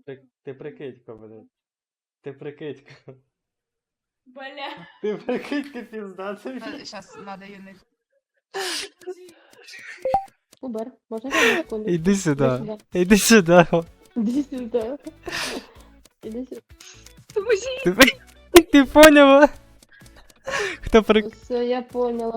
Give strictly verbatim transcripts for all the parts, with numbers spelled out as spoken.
Ти, ти прикидько, блядь. Ти прикидько. Бля. Ти прикидько піздатий. Сейчас надо юнить. Убер, можна я на секунду? Іди сюди. сюди. Іди сюди. Іди сюди. Іди сюди. Поможіть! Ти, при- ти поняла? Хто при... Все, я поняла.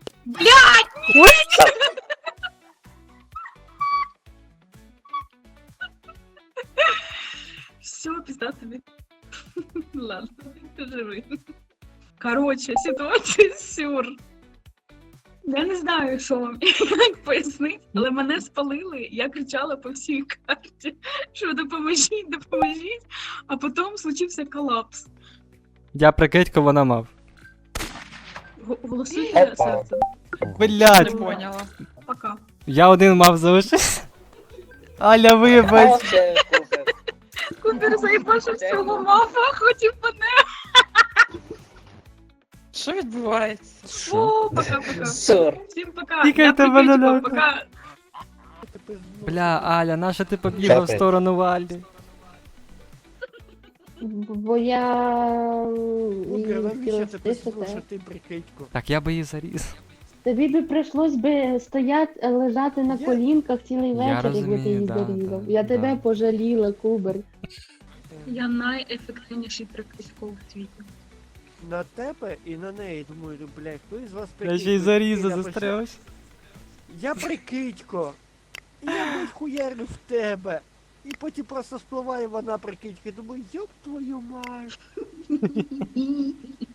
Все, пизда тобі. Ладно, ти живий. Короче, ситуація сюр. Я не знаю, що вам як пояснити, але мене спалили, я кричала по всій карті, що допоможіть, допоможіть, а потім случився колапс. Я прикидько, вона мав. Г- Голосуйте серцем. Блядь, поняла. Пока. я один мав залишився. Аля, вибач. Вообще, Кубер. Кубер заїбашив всього мафа, хотів мене. Що відбувається? О, пока-пока. Сур. Всім пока. Тікайте, Я прикричку, баналяка. пока. Бля, Аля, наша ти побігла в Чапай. сторону Валі? Бо я Кубер, її навіщо хотіла ти стисати. послухати прикидьку? Так я би її заріз. Тобі би прийшлось би стояти, лежати на Я- колінках цілий Я вечір, якби ти розумію, її да, зарізав. да, Я тебе да. пожаліла, Кубер. Я найефективніший прикритько в світі. На тебе і на неї, думаю, бля, хто із вас Я прикидько? ще й заріза Я пишу, застрявся. Я прикидько. І я блядь, хуярю в тебе. І потім просто спливає вона прикидька. Думаю, йоп твою мать.